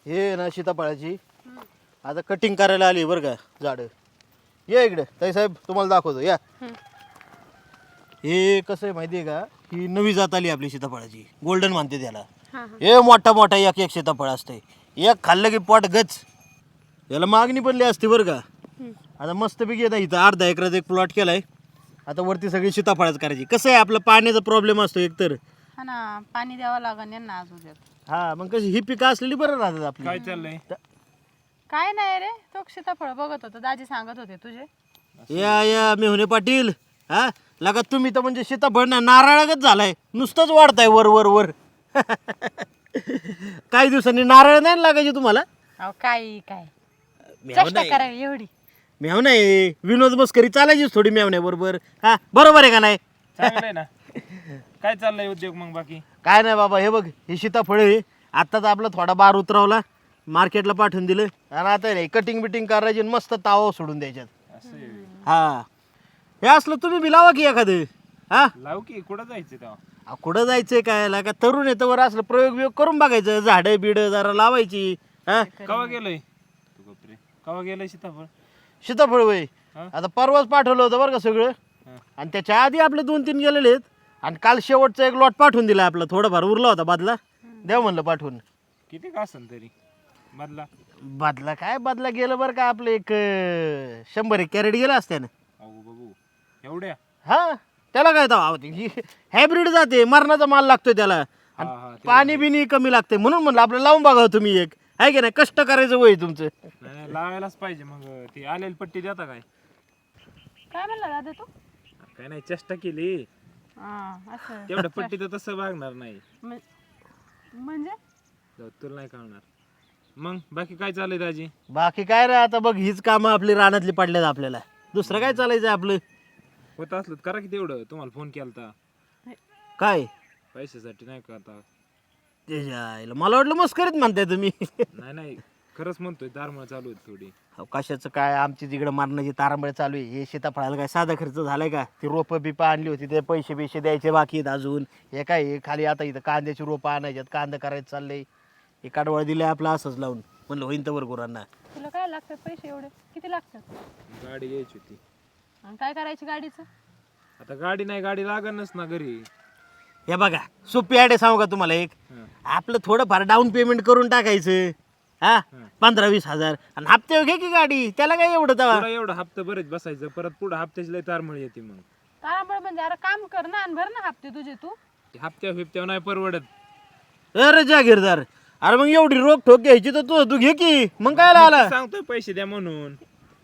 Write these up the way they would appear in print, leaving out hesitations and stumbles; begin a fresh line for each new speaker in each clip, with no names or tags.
हे ना सीताफळाची आता कटिंग करायला आली बरं का झाड. ये इकडे ताई साहेब तुम्हाला दाखवतो या. हे कसं आहे माहिती आहे का, ही नवी जात आली आपली सीताफळाची, गोल्डन म्हणते त्याला. हे मोठा मोठा एक एक सीताफळ असते, एक खाल्लं की पोट गच. याला मागणी पण लई असते बरं का. आता मस्तपैकी येतं इथं अर्धा एकरात एक प्लॉट केलाय. आता वरती सगळी सीताफळच करायची. कसं आहे आपलं पाण्याचा प्रॉब्लेम असतो एकतर.
हा ना, पाणी द्यावं लागेल यांना अजून.
हा मग कशी ही पिकं असलेली बरं राहतात आपली.
काय चाललंय?
काय नाही रे, तो सीताफळ बघत होतो, दाजी सांगत होते तुझे.
या या मेहुणे पाटील. हा लगा तुम्ही तर म्हणजे सीताफळ ना नारळागत झालाय, नुसतंच वाढताय वर वर वर. काही दिवसांनी नारळ नाही लागायचे तुम्हाला.
अहो काय काय
मेव
चेष्टा करावी एवढी.
मेव नाही, विनोद मस्करी चालायचीच थोडी मेवण्या बरोबर. हा बरोबर आहे का नाही?
चांगलंय ना. काय चाललंय उद्योग मग बाकी?
काय नाही बाबा, हे बघ ही सीताफळ आहे. आत्ताच आपला थोडा बार उतरवला, मार्केटला पाठवून दिलं आणि आता नाही कटिंग बिटिंग करायची आणि मस्त तावा सोडून द्यायच्यात.
असं आहे.
हा हे असलं तुम्ही बी लावा की एखादं. हा
लाव की, कुठं जायचं तेव्हा?
कुठं जायचंय काय का तरुण येतं वर असलं प्रयोग बियोग करून बघायचं, झाडं बिडं जरा लावायची. हा
कवा गेलंय तू? गप्रे, कवा गेलंय सीताफळ?
सीताफळ वय
हा?
आता परवाच पाठवलं होतं बरं का सगळं.
हा.
आणि त्याच्या आधी आपले 2-3 गेलेले आहेत. आणि काल शेवटचा एक लॉट पाठवून दिला आपला, थोडाफार उरला होता बदला, द्या म्हणलं पाठवून.
किती का असेल तरी बदला?
बदला काय बदला गेलं बरं का आपलं एक 100 कॅरेट गेलं असत्यानं.
अहो बघू, एवढ्या?
हा त्याला काय हायब्रिड जाते, मरणाचा माल लागतोय त्याला.
हा,
आणि
ते
पाणी बिनी कमी लागते, म्हणून म्हणलं आपलं लावून बघावं तुम्ही एक. आहे की नाही, कष्ट करायचं वय तुमचं.
नाही, लावायलाच पाहिजे. मग ती आलेली पट्टी देता काय?
काय म्हणला दादा तू?
काय नाही, चेष्टा केली
हा असं
तेवढ्या पट्टी तर तसं वागणार नाही.
म्हणजे
जाऊ, तुला नाही कळणार. मग बाकी काय चाललंय दाजी?
बाकी काय रे, आता बघ हीच कामं आपली रानातली पडल्यात आपल्याला, दुसरं काय चालायचं आपलं.
होत असलं तर करा की तेवढं. तुम्हाला फोन केलता
काय
पैशासाठी, नाही करता?
त्याच्या आईला मला वाटलं मस्करीत म्हणताय तुम्ही.
नाही नाही, खरंच म्हणतोय, दारमळ चालू आहे थोडी.
अहो, कशाचं काय, आमची तिकडं मारण्याची तारांबळ चालू आहे. हे सीताफळाला काय साधा खर्च झालाय का? ती रोपं बिपं आणली होती, ते पैसे बिशे द्यायचे बाकी आहेत अजून. हे काय हे खाली आता इथं कांद्याची रोपं आणायच्यात, कांदा करायचं चाललंय. हे काढवळ दिलंय आपलं असंच लावून, म्हणलं होईन तर गुरांना.
तुला काय लागतात पैसे एवढे? किती लागतात?
गाडी घ्यायची होती.
आणि काय करायची गाडीचं?
आता गाडी नाही, गाडी लागणच ना घरी.
हे बघा सोपी आयडिया सांगू का तुम्हाला एक.
हं.
आपलं थोडंफार डाऊन पेमेंट करून टाकायचं. हा 15-20 हजार आणि हप्ते घे की गाडी, त्याला काय एवढं तवा.
पुढं एवढं हप्ता बरेच बसायचं, परत पुढं हप्त्याची लय तारमळ येते. मग
तारांबळ म्हणजे अरे काम कर ना आणि भर ना हप्ते तुझे तू.
ते हप्त्या फिप्त्या नाही परवडत.
अरे जागीरदार, अरे मग एवढी रोख ठोक घ्यायची तर तू घे की, मग काय
मी
आला.
तर सांगतोय पैसे द्या म्हणून.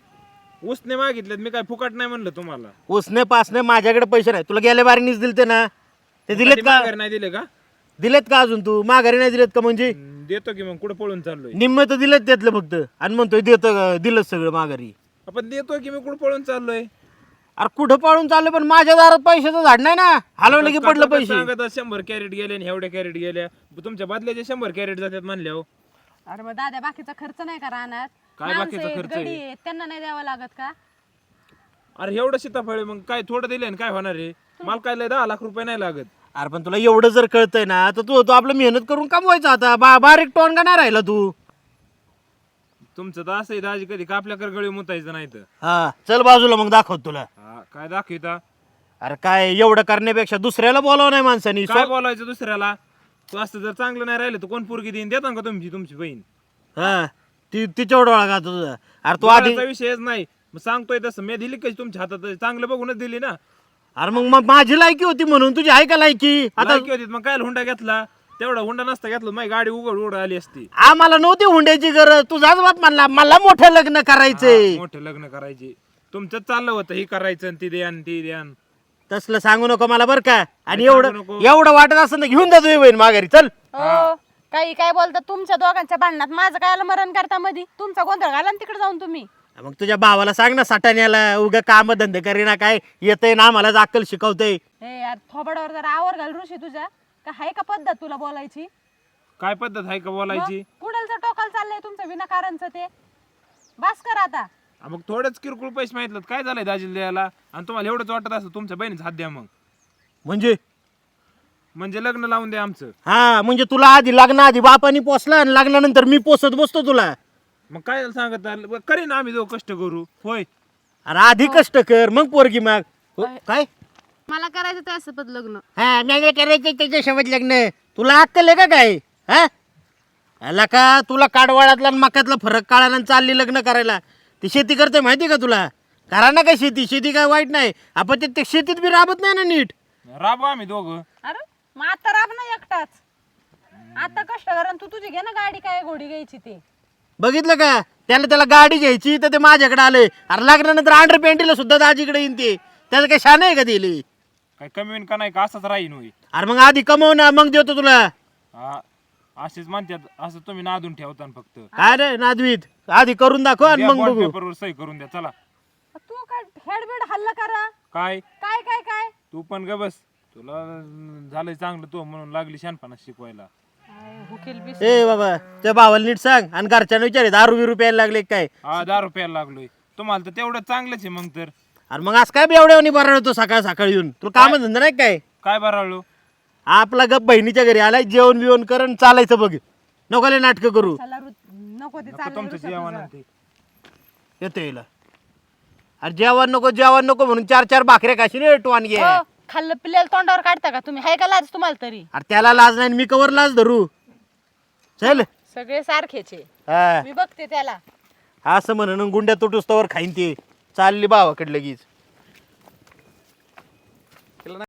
उसने मागितलेत, मी काय फुकट नाही म्हणलं तुम्हाला.
उसने पासने माझ्याकडे पैसे नाही, तुला गेल्या बारीनीच दिलते ना, ते दिलेत
कधी
का?
माघारी नाही दिले का?
दिलेत का अजून? तू माघारी नाही दिलेत का? म्हणजे
देतो की, मग कुठं पळून चाललोय?
निम्म तर दिलेत त्यातलं फक्त, आणि म्हणतोय देतं, दिलं सगळं माघारी.
आपण देतो की, मी कुठं पळून चाललोय?
अरे कुठं पाळून चाललं, पण माझ्या दारात पैशाचं झाड नाही ना, हलवलं की पडलं पैसे.
सांगत 100 कॅरेट गेले आणि एवढ्या कॅरेट गेल्या, तुमच्या बदल्याचे 100 कॅरेट जातात म्हणल्या. हो,
अरे मग दादा बाकीचा खर्च नाही का राहणार?
काय बाकीचा खर्च आहे?
गडी आहेत, त्यांना नाही द्यावं लागत का?
अरे एवढं सीताफळ आहे, मग काय थोडं दिले काय होणार आहे? मला काय लय 10 लाख रुपये नाही लागत.
अरे पण तुला एवढं जर कळतंय ना, तर तू आपलं मेहनत करून कमवायचं. आता बारीक टोन का नाही राहिला तू.
तुमचं तर असं आहे दाजी, कधी कापल्याकर गळी मुतायचं नाही तर.
हा चल बाजूला, मग दाखवत तुला.
हा, काय दाखविता?
अरे काय एवढं करण्यापेक्षा दुसऱ्याला बोलावं नाही माणसानी.
काय बोलायचं दुसऱ्याला? तू असं जर चांगलं नाही राहिलं तर कोण पोरगी देईन? देता का तुमची बहीण?
हा तिच्या डोळा का तुझा? अरे तू आधी
बोलायचा विषयच नाही. मग सांगतोय तसं मी दिली कशी तुमच्या हातात? चांगलं बघूनच दिली ना.
अरे मग माझी लायकी होती म्हणून, तुझी आहे का लायकी? आता
लायकी होती, मग काय हुंडा घेतला? तेवढा हुंडा नसता घेतला, माझी गाडी उघड आली असती.
आम्हाला नव्हती हुंड्याची गरज, तुझाच बाप म्हणला मला मोठं लग्न करायचंय.
मोठे लग्न करायचे तुमचं चाललं होतं, हे करायचं आणि ती द्यान ती द्यान.
तसलं सांगू नको मला बरं का. आणि
सांगू
एवढं
नको.
एवढं वाटत असं ना घेऊन जा तुझी बहीण माघारी, चल.
हो काही काय बोलता तुमच्या दोघांच्या भांडणात माझं काय मरण करता मधी? तुमचा गोंधळ घाला ना तिकडे जाऊन तुम्ही.
मग तुझ्या भावाला सांग ना, साठाण्याला उगा काम धंदे करीना, काय येतंय ना आम्हाला अक्कल शिकवतय.
हे यार थोबडावर जरा आवर घाल ऋषी तुझ्या. का हाय का पद्धत तुला बोलायची?
काय पद्धत आहे का बोलायची?
कुडलचं टोकाल चाललंय तुमचं विनाकारणचं ते. बास कर आता.
मग थोडेच किरकोळ पैसे माहितलं काय झालंय दाजीला द्यायला? आणि तुम्हाला एवढंच वाटत असं तुमच्या बहिणीच हात द्या. मग
म्हणजे
म्हणजे लग्न लावून द्या आमचं.
हा म्हणजे तुला आधी लग्नाआधी बापानी पोसला आणि लग्नानंतर मी पोसत बसतो तुला.
मग काय सांगत आहे? करीन आम्ही जो कष्ट करू होय.
अरे आधी कष्ट कर मग पोरगी माग. हो, काय
मला करायचं त्यासोबत लग्न.
हा नाही करायचं त्याच्यासोबत लग्न. तुला अक्कल आहे का काय? हा आला का तुला काडवाळातला आणि मक्यातला फरक कळाला आणि चालली लग्न करायला. ती शेती करते माहिती का तुला? करा ना काय शेती. शेती काय वाईट नाही. आपण ते शेतीत बी राबत नाही ना नीट.
राबू आम्ही दोघं.
अरे मग आता राब ना एकटाच. आता कष्ट करा तू तुझी घे ना गाडी काय घोडी घ्यायची ते.
बघितलं का त्याला गाडी घ्यायची तर ते माझ्याकडे आले. अरे लग्नानंतर अंडर पेंटीला सुद्धा दाजीकडे येईन ते. त्याचं काही शान आहे का दिली?
काय कमी होईन का नाही का असंच राहीन होई.
अरे मग आधी कमव ना मग देतो तुला.
हा असेच म्हणतात. असं तुम्ही नादून ठेवता ना फक्त.
काय रे नादवीत आधी करून दाखव आणि
द्या
मग
bond
बघू.
paper वर सही करून द्या चला.
तू काय हेडबेड हल्ला करा.
काय
काय काय काय
तू पण ग बस. तुला झालंय चांगलं तू म्हणून लागली शहाणपणा शिकवायला.
हुकील बी
ए बाबा त्या भावाला नीट सांग आणि घरच्यांना विचारे 10 रुपये रुपयाला लागले काय.
हा 10 रुपयाला लागलोय. तुम्हाला तर तेवढं चांगलंच आहे मग तर.
अरे मग आज काय बेवड्यावनी बरं होतो सकाळ सकाळी येऊन. तुला काम धंदा नाही काय?
काय बराळलो.
आपला गप बहिणीच्या घरी आलाय जेवण बिवण करून चालायचं बघ. नको लय नाटकं करू.
नको ते
नको तुमचं जेवण आणि ते.
येतो येईल. अरे जेवण नको म्हणून 4 भाकऱ्या खाशी रे टोन घे.
हो, खाल्लं पिल्लेलं तोंडावर काढता का तुम्ही? हाय का लाज तुम्हाला तरी?
अरे त्याला लाज नाही मी कवर लाज धरू. चल
सगळे सारखेचे.
हा
मी बघते त्याला.
असं म्हणून गुंड्या तुटूस तवर खाईन ते. चालली भावाकडे लगेच.